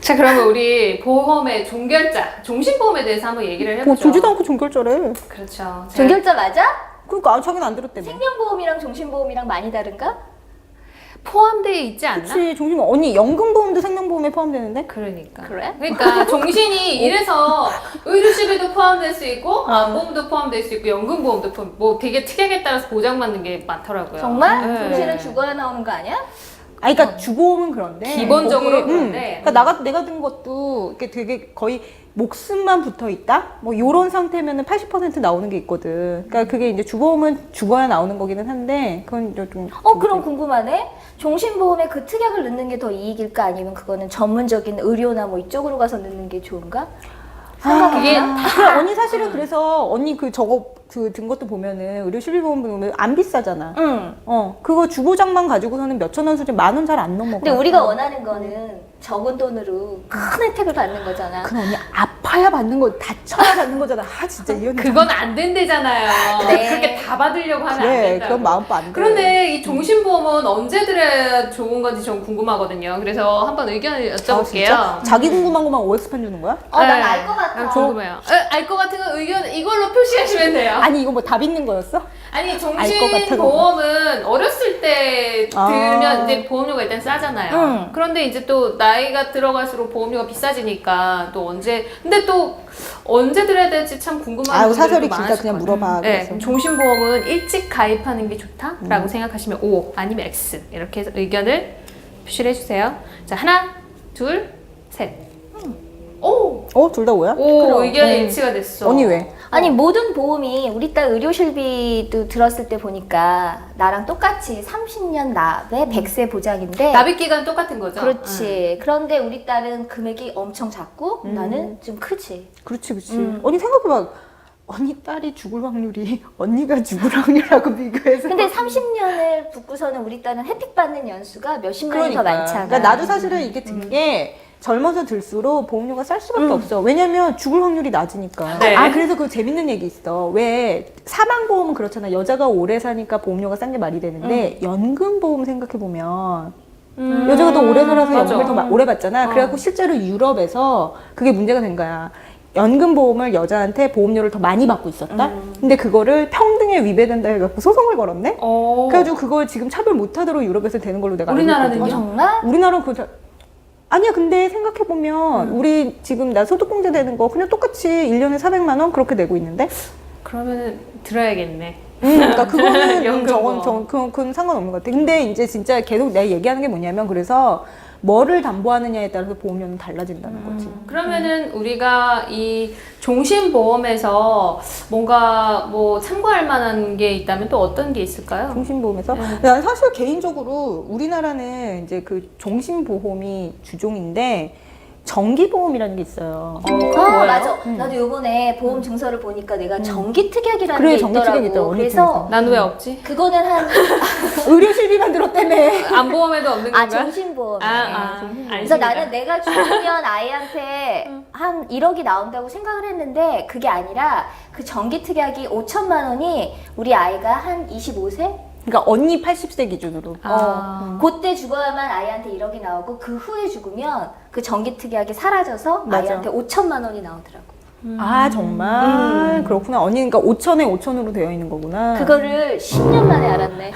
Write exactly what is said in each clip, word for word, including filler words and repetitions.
자, 그러면 우리 보험의 종결자, 종신보험에 대해서 한번 얘기를 해보죠. 뭐 주지도 않고 종결자래. 그렇죠. 자, 종결자 맞아? 그러니까 자기는 안 들었대며. 생명보험이랑 종신보험이랑 많이 다른가? 포함되어 있지 않나? 그치, 종신보험. 언니 연금보험도 생명보험에 포함되는데? 그러니까. 그래? 그러니까 종신이 이래서 의료시비도 포함될 수 있고, 암보험도 포함될 수 있고, 연금보험도 포함. 뭐 되게 특약에 따라서 보장받는 게 많더라고요. 정말? 네. 종신은 죽어야 나오는 거 아니야? 아니, 그러니까 주보험은 그런데 기본적으로 거기에, 그런데. 음, 그러니까 나, 내가 든 것도 이렇게 되게 거의 목숨만 붙어 있다? 뭐 요런 상태면은 팔십 퍼센트 나오는 게 있거든. 그러니까 그게 이제 주보험은 죽어야 나오는 거기는 한데 그건 이제 좀. 어, 그럼 궁금하네. 종신보험에 그 특약을 넣는 게 더 이익일까? 아니면 그거는 전문적인 의료나 뭐 이쪽으로 가서 넣는 게 좋은가? 아, 그게 그래, 언니 사실은 그래서 언니 그 저거 그 든 것도 보면은 의료 실비보험 보면 안 비싸잖아. 응. 어, 그거 주보장만 가지고서는 몇천 원 수준 만 원 잘 안 넘어가. 근데 우리가 원하는 거는 적은 돈으로 큰 혜택을 받는 거잖아. 그 언니 아파야 받는 거, 다쳐야 받는 거잖아. 아 진짜 이 언니. 그건 안 된대잖아요. 네. 그렇게 다 받으려고 하면 안 그래, 된다고. 그런 마음도 안 돼. 그런데 이 종신보험은 언제 들어야 좋은 건지 전 궁금하거든요. 그래서 한번 의견을 아, 여쭤볼게요. 진짜? 자기 궁금한 것만 오엑스판 주는 거야? 어, 난 알 것 같아. 난 궁금해요. 알 것 같은 건 의견 이걸로 표시하시면 돼요. 아니 이거 뭐 답 있는 거였어? 아니 것 같아, 종신보험은 어렸을 때 아. 들면 이제 보험료가 일단 싸잖아요. 응. 그런데 이제 또 나이가 들어갈수록 보험료가 비싸지니까 또 언제 근데 또 언제 들어야 될지 참 궁금한 아유 분들도 사설이 진짜 많으실 그냥 것 물어봐. 같아요. 네, 그래서. 종신보험은 일찍 가입하는 게 좋다라고 음. 생각하시면 O 아니면 X 이렇게 해서 의견을 표시를 해주세요. 자 하나, 둘, 셋. 오, 어? 둘 다 오야? 오 그럼. 의견이 음. 일치가 됐어. 언니 왜? 아니 모든 보험이 우리 딸 의료실비도 들었을 때 보니까 나랑 똑같이 삼십 년 납에 백 세 보장인데 납입 기간 똑같은 거죠? 그렇지. 그런데 우리 딸은 금액이 엄청 작고 음. 나는 좀 크지. 그렇지 그렇지. 음. 언니 생각해봐. 언니 딸이 죽을 확률이 언니가 죽을 확률하고 비교해서. 근데 삼십 년을 붙고서는 우리 딸은 혜택 받는 연수가 몇십 년이 더 많잖아. 그러니까 나도 사실은 이게 든 게 젊어서 들수록 보험료가 쌀 수밖에 음. 없어. 왜냐면 죽을 확률이 낮으니까. 네. 아 그래서 그 재밌는 얘기 있어. 왜 사망보험은 그렇잖아. 여자가 오래 사니까 보험료가 싼 게 말이 되는데 연금보험 생각해 보면 음. 여자가 더 오래 살아서 맞아. 연금을 더 마- 오래 받잖아. 어. 그래갖고 실제로 유럽에서 그게 문제가 된 거야. 연금보험을 여자한테 보험료를 더 많이 받고 있었다. 음. 근데 그거를 평등에 위배된다 해갖고 소송을 걸었네. 어. 그래가지고 그걸 지금 차별 못하도록 유럽에서 되는 걸로 내가 알고 우리나라는요? 어, 있거든요. 정말? 우리나라는 그 자- 아니야. 근데 생각해 보면 음. 우리 지금 나 소득공제 되는 거 그냥 똑같이 일 년에 사백만 원 그렇게 내고 있는데. 그러면은 들어야겠네. 음, 그러니까 그거는 연금보험. 저건 저 그건, 그건 상관없는 것 같아. 근데 이제 진짜 계속 내가 얘기하는 게 뭐냐면 그래서 뭐를 담보하느냐에 따라서 보험료는 달라진다는 거지. 그러면은 우리가 이 종신보험에서 뭔가 뭐 참고할 만한 게 있다면 또 어떤 게 있을까요? 종신보험에서 네. 난 사실 개인적으로 우리나라는 이제 그 종신보험이 주종인데 정기보험이라는 게 있어요. 어, 그건 아 뭐예요? 맞아. 음. 나도 요번에 보험 증서를 보니까 내가 정기 특약이라는 그래, 게 정기 있더라고. 특약이 있더라고, 언니 그래서 난 왜 없지? 그거는 한 의료실비만 들었다며. 안보험에도 없는 아, 건가? 종신보험. 아, 아, 그래서 알겠습니다. 나는 내가 죽으면 아이한테 한 일억이 나온다고 생각을 했는데 그게 아니라 그 정기 특약이 오천만 원이 우리 아이가 한 이십오 세? 그러니까 언니 팔십 세 기준으로. 아. 어, 그때 죽어야만 아이한테 일억이 나오고 그 후에 죽으면 그 정기 특약이 사라져서 맞아. 아이한테 오천만 원이 나오더라고. 아 정말 그렇구나. 언니 그러니까 오천에 오천으로 되어 있는 거구나. 그거를 십 년 만에 알았네.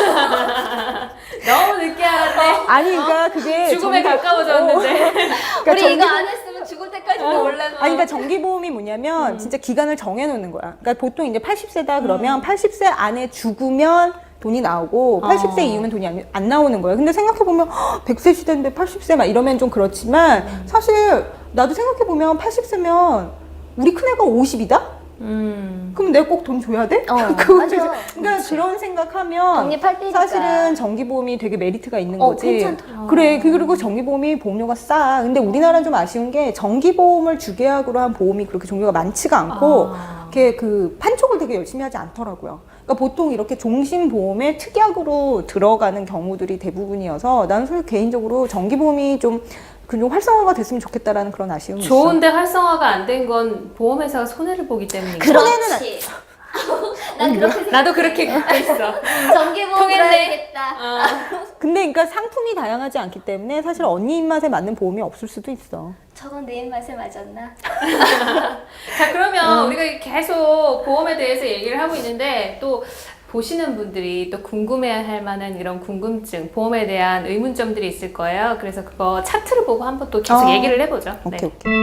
너무 늦게 알았네. 아니 그러니까 그게 죽음에 정기- 가까워졌는데. 어. 그러니까 우리 정기- 이거 안 했으면 죽을 때까지도 몰랐어. 아니 그러니까 정기보험이 뭐냐면 진짜 기간을 정해 놓는 거야. 그러니까 보통 이제 팔십 세다 그러면 팔십 세 안에 죽으면 돈이 나오고 팔십 세 어. 이후면 돈이 안, 안 나오는 거예요. 근데 생각해 보면 백 세 시대인데 팔십 세 막 이러면 좀 그렇지만 사실 나도 생각해 보면 팔십 세면 우리 큰애가 오십이다? 음. 그럼 내가 꼭 돈 줘야 돼? 어, 그거 맞아. 진짜- 그러니까 그런 생각하면 독립할 때니까. 사실은 정기보험이 되게 메리트가 있는 어, 거지. 괜찮더라. 그래. 그리고 정기보험이 보험료가 싸. 근데 우리나라는 좀 아쉬운 게 정기보험을 주계약으로 한 보험이 그렇게 종류가 많지가 않고 아. 이렇게 그 판촉을 되게 열심히 하지 않더라고요. 그러니까 보통 이렇게 종신보험에 특약으로 들어가는 경우들이 대부분이어서 나는 사실 개인적으로 정기보험이 좀 그 좀 활성화가 됐으면 좋겠다라는 그런 아쉬움이 있어. 좋은데 활성화가 안 된 건 보험회사가 손해를 보기 때문이죠. 그렇지. 난 그렇게 생각해. 나도 그렇게 갖고 있어. 정기보험 통했네. 들어야겠다. 어. 근데 그러니까 상품이 다양하지 않기 때문에 사실 언니 입맛에 맞는 보험이 없을 수도 있어. 저건 내 입맛에 맞았나? 자 그러면 우리가 계속 보험에 대해서 얘기를 하고 있는데 또 보시는 분들이 또 궁금해할 만한 이런 궁금증, 보험에 대한 의문점들이 있을 거예요. 그래서 그거 차트를 보고 한번 또 계속 어. 얘기를 해보죠. 오케이 네. 오케이.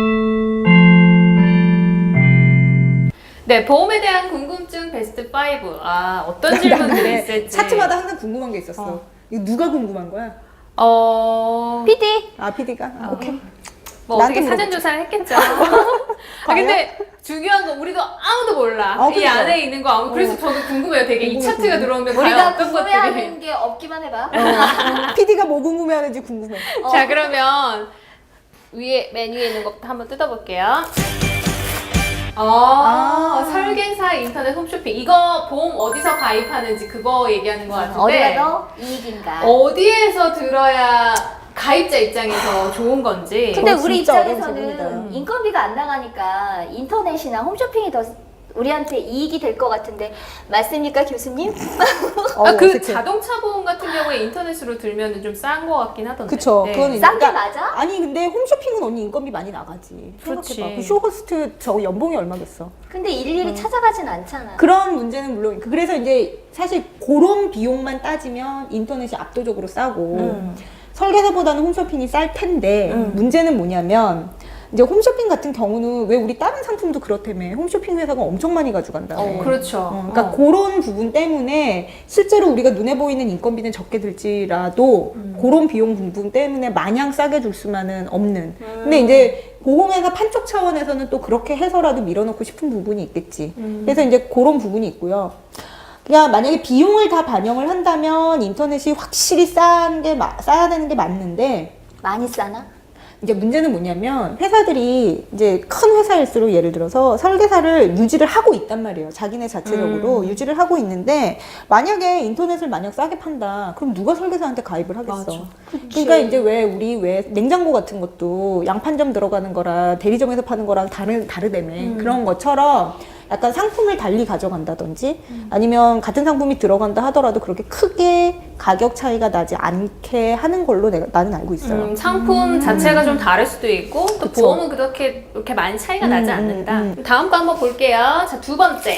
네, 보험에 대한 궁금증 베스트 파이브. 아, 어떤 질문들이 있을지. 차트마다 항상 궁금한 게 있었어. 어. 이거 누가 궁금한 거야? 어, 피디 아 피디가? 아, 오케이. 뭐 나한테 어떻게 사전 물어보자. 조사를 했겠죠. 아, 근데 중요한 건 우리도 아무도 몰라. 어, 이 그러니까. 안에 있는 거 아무. 그래서 저도 궁금해요. 되게 이 궁금해, 차트가 궁금해. 들어오면 과연 우리가 어떤 것들이. 궁금해하는 게 없기만 해봐. 피디가 뭐 궁금해하는지 궁금해. 어. 자, 그러면 위에 맨 위에 있는 것부터 한번 뜯어볼게요. 어, 아. 설계사 인터넷 홈쇼핑. 이거 보험 어디서 가입하는지 그거 얘기하는 것 같은데. 어디가 더 이익인가? 어디에서 들어야 가입자 입장에서 좋은 건지. 근데 어, 우리 진짜 어려운 입장에서는 질문이다. 인건비가 안 나가니까 인터넷이나 홈쇼핑이 더 우리한테 이익이 될 것 같은데 맞습니까 교수님? 어, 아, 그 어색해. 자동차 보험 같은 경우에 인터넷으로 들면 좀 싼 거 같긴 하던데. 그쵸. 네. 그건 싼 게 그러니까 맞아? 아니 근데 홈쇼핑은 언니 인건비 많이 나가지. 그렇지. 생각해봐. 그 쇼호스트 저 연봉이 얼마겠어? 근데 일일이 음. 찾아가진 않잖아. 그런 문제는 물론 있고. 그래서 이제 사실 그런 비용만 따지면 인터넷이 압도적으로 싸고 음. 설계사보다는 홈쇼핑이 쌀 텐데 음. 문제는 뭐냐면 이제 홈쇼핑 같은 경우는 왜 우리 다른 상품도 그렇다며 홈쇼핑 회사가 엄청 많이 가져간다며. 어, 그렇죠. 어, 그러니까 어. 그런 부분 때문에 실제로 우리가 눈에 보이는 인건비는 적게 들지라도 음. 그런 비용 부분 때문에 마냥 싸게 줄 수만은 없는. 음. 근데 이제 보험회사 판촉 차원에서는 또 그렇게 해서라도 밀어넣고 싶은 부분이 있겠지. 음. 그래서 이제 그런 부분이 있고요. 그러니까 만약에 비용을 다 반영을 한다면 인터넷이 확실히 싼 게 싸야 되는 게 맞는데 많이 싸나? 이제 문제는 뭐냐면 회사들이 이제 큰 회사일수록 예를 들어서 설계사를 유지를 하고 있단 말이에요. 자기네 자체적으로 음. 유지를 하고 있는데 만약에 인터넷을 만약 싸게 판다. 그럼 누가 설계사한테 가입을 하겠어? 맞아. 그러니까 이제 왜 우리 왜 냉장고 같은 것도 양판점 들어가는 거랑 대리점에서 파는 거랑 다른 다르다며. 음. 그런 것처럼 약간 상품을 달리 가져간다든지 음. 아니면 같은 상품이 들어간다 하더라도 그렇게 크게 가격 차이가 나지 않게 하는 걸로 내가 나는 알고 있어요. 음, 상품 자체가 좀 다를 수도 있고 또 그쵸. 보험은 그렇게 그렇게 많이 차이가 나지 음, 않는다. 음, 다음 거 한번 볼게요. 자, 두 번째.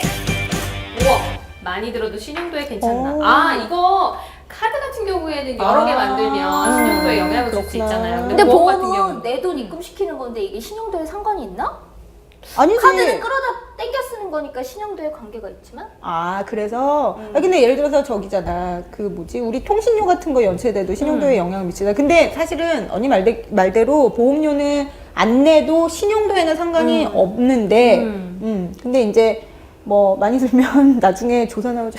우와, 많이 들어도 신용도에 괜찮나? 오. 아, 이거 카드 같은 경우에는 여러 개 아. 만들면 신용도에 영향을 줄 수 그렇구나. 있잖아요. 근데 보험 같은 보험은 경우는 내 돈 입금시키는 건데 이게 신용도에 상관이 있나? 아니지. 카드는 끌어다 땡겨 쓰는 거니까 신용도에 관계가 있지만 아 그래서 음. 아, 근데 예를 들어서 저기잖아 그 뭐지 우리 통신료 같은 거 연체돼도 신용도에 음. 영향을 미치다. 근데 사실은 언니 말대, 말대로 보험료는 안 내도 신용도에는 상관이 음. 없는데 음. 음. 근데 이제 뭐 많이 들면 나중에 조사 나오죠.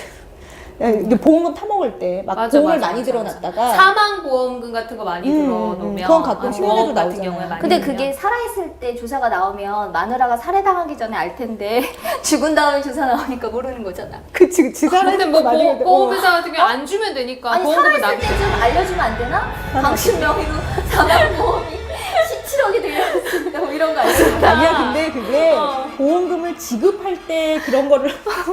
이게 보험금 타먹을 때 막 맞아, 보험을 맞아, 많이 맞아, 들어놨다가 사망 보험금 같은 거 많이 음, 들어놓으면 음, 그건 가끔 아, 신문에도 보험 같은 나오잖아요. 경우에 많이 근데 들면. 그게 살아있을 때 조사가 나오면 마누라가 살해당하기 전에 알 텐데 죽은 다음에 조사 나오니까 모르는 거잖아. 그치 그치 근데 뭐 많이 보험, 해도- 보험회사 같은 경우 안 주면 되니까 아니 보험금을 살아있을 나기 때 좀 알려주면 안 되나? 당신 명의로 사망보험이 십칠억이 들렸습니다 뭐 이런 거 아니야? 아니야 근데 그게 어. 보험금을 지급할 때 그런 거를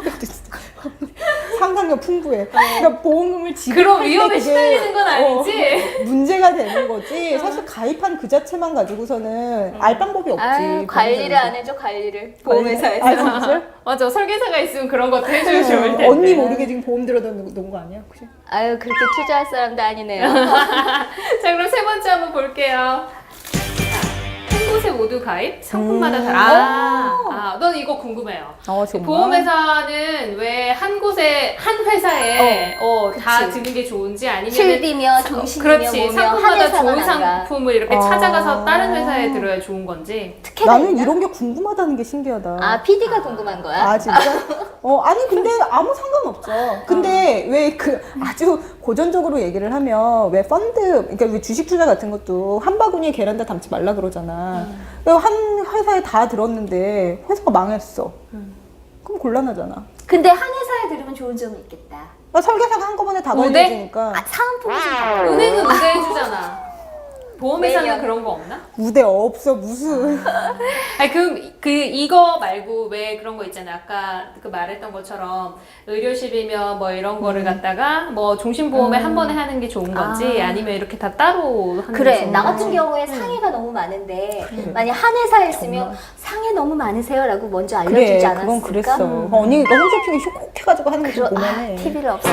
상상력 풍부해. 그러니까 보험금을 지급할 그런 때 위험에 그게, 시달리는 건 아니지? 어, 문제가 되는 거지. 사실 가입한 그 자체만 가지고서는 알 방법이 없지. 아유, 관리를 안 해줘 관리를 보험회사에서. 아 진짜? 맞아, 설계사가 있으면 그런 것도 해주면 좋을 텐데. 언니 모르게 지금 보험 들어다 놓은 거 아니야? 혹시? 아유 그렇게 투자할 사람도 아니네요. 자, 그럼 세 번째 한번 볼게요. 한 곳에 모두 가입? 상품마다 음. 다. 아, 아, 넌 이거 궁금해요. 어 정말. 보험회사는 왜 한 곳에, 한 회사에 어, 다 그치. 드는 게 좋은지 아니면 실비며 종신이며 그렇지, 뭐며 상품마다 한 회사만 좋은 안 가. 상품을 이렇게 아. 찾아가서 다른 회사에 들어야 좋은 건지. 특혜가 나는 있나? 이런 게 궁금하다는 게 신기하다. 아 피디가 궁금한 거야? 아 진짜? 어 아니 근데 아무 상관없죠. 근데 왜 그 아주 고전적으로 얘기를 하면 왜 펀드 그러니까 왜 주식 투자 같은 것도 한 바구니에 계란 다 담지 말라 그러잖아. 왜 한 회사에 다 들었는데 회사가 망했어. 그럼 곤란하잖아. 근데 한 회사에 들으면 좋은 점이 있겠다. 그러니까 설계사가 한꺼번에 다 우대? 관리해주니까. 아, 사은품이 좀 다. 은행은 우대해주잖아. 보험회사는 매년. 그런 거 없나? 우대 없어 무슨. 아니 그럼 그 이거 말고 왜 그런 거 있잖아요. 아까 그 말했던 것처럼 의료실이면 뭐 이런 거를 갖다가 뭐 종신보험에 한 번에 하는 게 좋은 건지 아. 아니면 이렇게 다 따로 하는 게 그래 좋은 나 건지. 같은 경우에 상해가 너무 많은데 만약 한 회사에 있으면 상해 너무 많으세요라고 먼저 알려주지 그래 않았을까? 그건 그랬어. 음. 언니가 홈쇼핑에 콕해가지고 하는 거 그러, 좀 아, 보면은. 티비를 없애.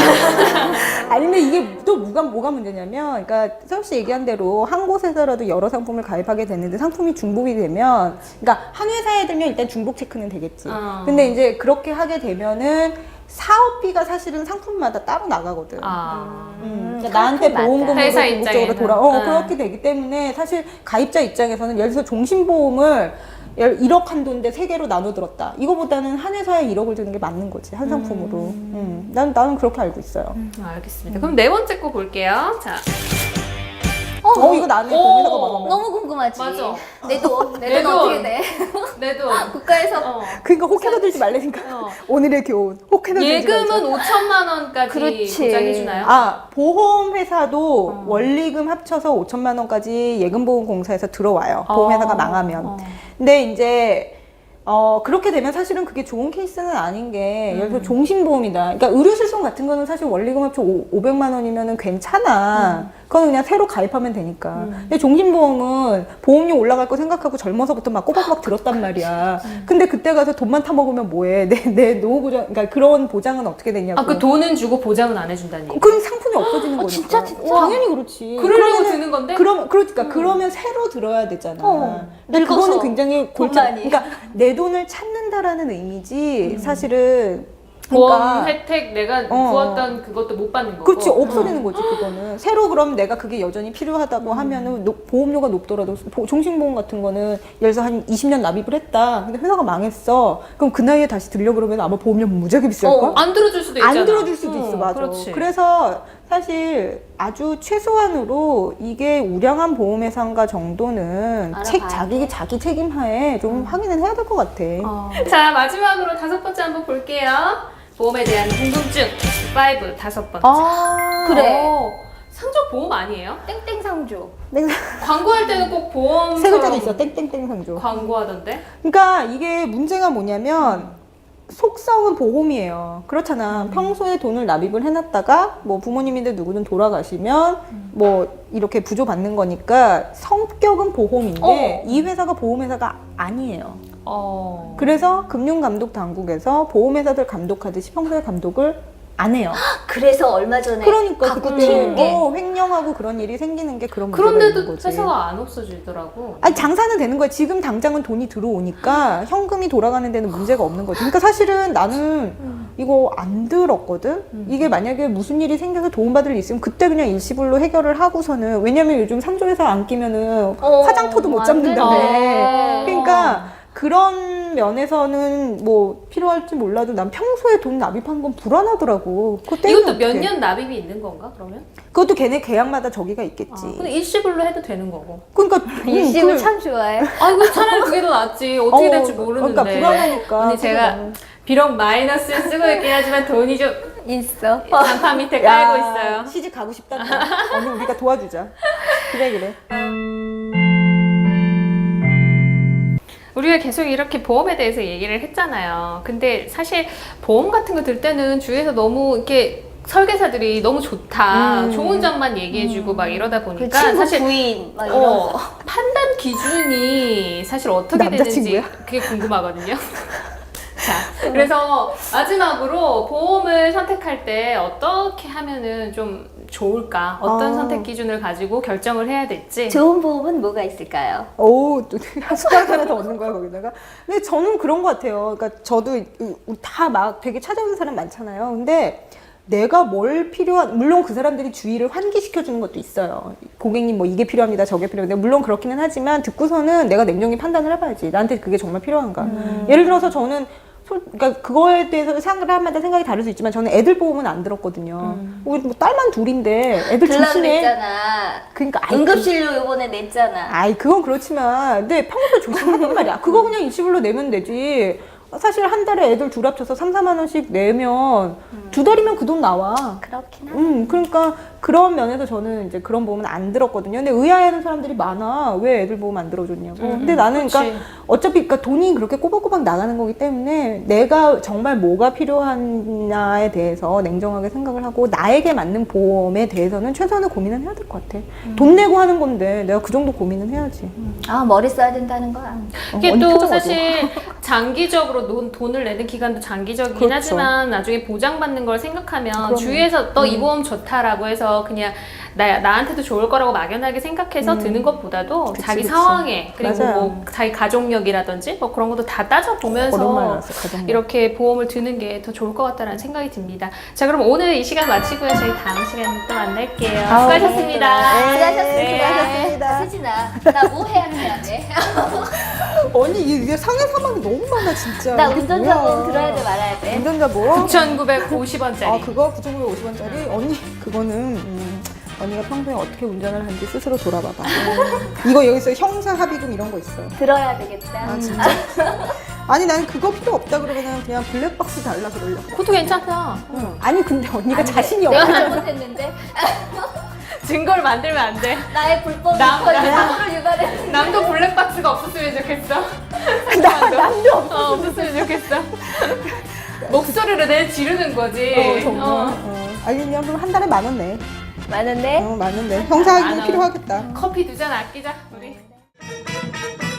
아니 근데 이게 또 뭐가 뭐가 문제냐면, 그러니까 서울 씨 얘기한 대로 한 곳에서라도 여러 상품을 가입하게 됐는데 상품이 중복이 되면, 그러니까 한 회사에 들면 일단 중복 체크는 되겠지. 어. 근데 이제 그렇게 하게 되면은 사업비가 사실은 상품마다 따로 나가거든. 아. 음, 그러니까 나한테 보험금으로 회사 궁극적으로 입장에는. 돌아, 어, 응. 그렇게 되기 때문에 사실 가입자 입장에서는 예를 들어서 종신보험을 일억 한도인데 세 개로 나눠 들었다. 이거보다는 한 회사에 일억을 드는 게 맞는 거지, 한 상품으로. 음. 난, 나는 그렇게 알고 있어요. 음, 알겠습니다. 그럼 네 번째 거 볼게요. 자, 어, 이거 나는 오. 보험회사가 막아. 너무 궁금하지. 맞아. 내 돈, 내 내 돈 돈. 어떻게 돼? 내 돈. 국가에서 어. 그러니까 혹해서 들지 말라니까. 어. 오늘의 교훈. 혹해서 들지 말자. 예금은 오천만 원까지 그렇지. 보장해주나요? 아, 보험회사도 어. 원리금 합쳐서 오천만 원까지 예금보험공사에서 들어와요. 어. 보험회사가 망하면. 어. 근데 이제 어 그렇게 되면 사실은 그게 좋은 케이스는 아닌 게, 예를 들어 종신보험이다. 그러니까 의료실손 같은 거는 사실 원리금 합쳐 오백만 원이면은 괜찮아. 그건 그냥 새로 가입하면 되니까. 근데 종신보험은 보험료 올라갈 거 생각하고 젊어서부터 막 꼬박꼬박 들었단 말이야. 근데 그때 가서 돈만 타먹으면 뭐해? 내, 내 노후보장, 그러니까 그런 보장은 어떻게 되냐고. 아, 그 돈은 주고 보장은 안 해준다는 얘기. 그 상품이 없어지는 거니까. 진짜, 진짜? 당연히 그렇지. 그러려고 그러면은- 드는 건데? 그럼 그러니까 그러면 새로 들어야 되잖아. 어, 근데 늙어서 그거는 굉장히 돈 골치. 많이. 그러니까 내 돈을 찾는다라는 의미지. 사실은. 보험 그러니까 혜택 내가 어. 부었던 그것도 못 받는 거고. 그렇지, 없어지는 거지 그거는. 새로 그럼 내가 그게 여전히 필요하다고 하면은 노- 보험료가 높더라도 보- 종신보험 같은 거는 예를 들어서 한 이십 년 납입을 했다. 근데 회사가 망했어. 그럼 그 나이에 다시 들려 그러면 아마 보험료 무지하게 비쌀 걸? 어, 안 들어줄 수도 있잖아. 안 들어줄 수도 있어, 어, 맞아. 그렇지. 그래서 사실 아주 최소한으로 이게 우량한 보험회사인가 정도는 알아봐야 책, 돼. 자기, 자기 책임하에 좀 확인을 해야 될 것 같아. 어. 자, 마지막으로 다섯 번째 한번 볼게요. 보험에 대한 궁금증 오, 다섯 번째. 아, 그래. 어, 상조 보험 아니에요? 땡땡 상조. 내가 광고할 때는 꼭 보험 세 글자도 있어. 땡땡땡 상조. 광고하던데. 그러니까 이게 문제가 뭐냐면 속성은 보험이에요. 그렇잖아. 평소에 돈을 납입을 해놨다가 뭐 부모님인데 누구는 돌아가시면 뭐 이렇게 부조받는 거니까 성격은 보험인데 어. 이 회사가 보험회사가 아니에요. 어. 그래서 금융감독당국에서 보험회사들 감독하듯이 평소에 감독을 안 해요. 그래서 얼마 전에 그러니까 갖고 그때 튄 게. 어, 횡령하고 그런 일이 생기는 게 그런 문제가 있는 그런데도 거지. 회사가 안 없어지더라고. 아니 장사는 되는 거야. 지금 당장은 돈이 들어오니까 현금이 돌아가는 데는 문제가 없는 거지. 그러니까 사실은 나는 이거 안 들었거든. 이게 만약에 무슨 일이 생겨서 도움받을 일 있으면 그때 그냥 일시불로 해결을 하고서는, 왜냐면 요즘 상조회사 안 끼면은 어, 화장터도 못 안 잡는다며. 되네. 그러니까 그런 면에서는 뭐 필요할지 몰라도 난 평소에 돈 납입한 건 불안하더라고. 그거 떼면 이것도 몇 어떡해. 년 납입이 있는 건가 그러면? 그것도 걔네 계약마다 저기가 있겠지. 아, 근데 일시불로 해도 되는 거고. 그러니까 일식을 음, 참 좋아해. 아이고 차라리 그게 더 낫지. 어떻게 어, 될지 모르는데. 그러니까 불안하니까. 언니 제가 그거는. 비록 마이너스를 쓰고 있긴 하지만 돈이 좀 있어. 간판 밑에 야, 깔고 있어요. 시집 가고 싶다. 언니 우리가 도와주자. 그래 그래. 우리가 계속 이렇게 보험에 대해서 얘기를 했잖아요. 근데 사실 보험 같은 거 들 때는 주위에서 너무 이렇게 설계사들이 너무 좋다, 음. 좋은 점만 얘기해주고 막 이러다 그 보니까 친구 사실 부인 막 이런 어, 거. 판단 기준이 사실 어떻게 되는지 남자친구야? 그게 궁금하거든요. 자, 그래서 마지막으로 보험을 선택할 때 어떻게 하면은 좀 좋을까? 어떤 아. 선택 기준을 가지고 결정을 해야 될지. 좋은 보험은 뭐가 있을까요? 오, 또 숟가락 하나 더 얻는 거야 거기다가. 근데 저는 그런 것 같아요. 그러니까 저도 다 막 되게 찾아오는 사람 많잖아요. 근데 내가 뭘 필요한, 물론 그 사람들이 주의를 환기시켜 주는 것도 있어요. 고객님 뭐 이게 필요합니다, 저게 필요합니다. 물론 그렇기는 하지만 듣고서는 내가 냉정히 판단을 해봐야지. 나한테 그게 정말 필요한가. 음. 예를 들어서 저는 솔- 그러니까 그거에 대해서 사람마다 생각이 다를 수 있지만 저는 애들 보험은 안 들었거든요. 우리 뭐 딸만 둘인데 애들 들라 조심해. 그랬잖아. 그러니까 아이, 응급실로 요번에 냈잖아. 아이 그건 그렇지만 근데 평소에 조심하란 말이야. 그거 그냥 일시불로 내면 되지. 사실 한 달에 애들 둘 합쳐서 삼, 사만 원씩 내면 두 달이면 그 돈 나와. 그렇긴 하네. 음, 그러니까 그런 면에서 저는 이제 그런 보험은 안 들었거든요. 근데 의아해하는 사람들이 많아. 왜 애들 보험 안 들어줬냐고. 음, 근데 나는 그치. 그러니까 어차피 그러니까 돈이 그렇게 꼬박꼬박 나가는 거기 때문에 내가 정말 뭐가 필요하냐에 대해서 냉정하게 생각을 하고 나에게 맞는 보험에 대해서는 최소한의 고민은 해야 될 것 같아. 음. 돈 내고 하는 건데 내가 그 정도 고민은 해야지. 아 머리 써야 된다는 거야. 어, 이게 언니 또 표정 어두워. 사실 장기적으로 돈, 돈을 내는 기간도 장기적이긴 그렇죠. 하지만 나중에 보장받는 걸 생각하면 그럼요. 주위에서 너 이 음. 보험 좋다라고 해서 그냥 나, 나한테도 좋을 거라고 막연하게 생각해서 음. 드는 것보다도 그치, 자기 그치. 상황에 그리고 맞아요. 뭐 자기 가족력이라든지 뭐 그런 것도 다 오랜만에 따져보면서 알았어, 가정력. 이렇게 보험을 드는 게 더 좋을 것 같다는 생각이 듭니다. 자 그럼 오늘 이 시간 마치고요. 저희 다음 시간에 또 만날게요. 아우, 수고하셨습니다. 네. 수고하셨습니다. 수고하셨습니다. 수진아, 나 뭐 해야 해야 돼? 언니 이게 상해 사망이 너무 많아 진짜. 나 이게 운전자 뭐야. 보험 들어야 돼 말아야 돼? 운전자 보험? 구천구백오십 원짜리. 아 그거 구천구백오십 원짜리? 언니 그거는 음, 언니가 평소에 어떻게 운전을 하는지 스스로 돌아봐봐. 이거 여기서 형사 합의금 이런 거 있어. 들어야 되겠다. 아 진짜? 아니 난 그거 필요 없다 그러면은 그냥 블랙박스 달라 그러려고. 그것도 괜찮다. 응. 아니 근데 언니가 아니, 자신이 내가 없어. 잘못했는데 증거를 만들면 안 돼. 나의 불법 남- 유포 남- 사고를 유발했는데 남도 블랙박스가 없었으면 좋겠어. 나 남도 없어. 어, 없었으면 좋겠어. 목소리로 내 지르는 거지. 어, 정말. 어. 어. 아니 그냥 그럼 한 달에 만 원 내. 많은데 어, 많은데 형사 만 합의금 원. 필요하겠다. 커피 두 잔 아끼자 우리.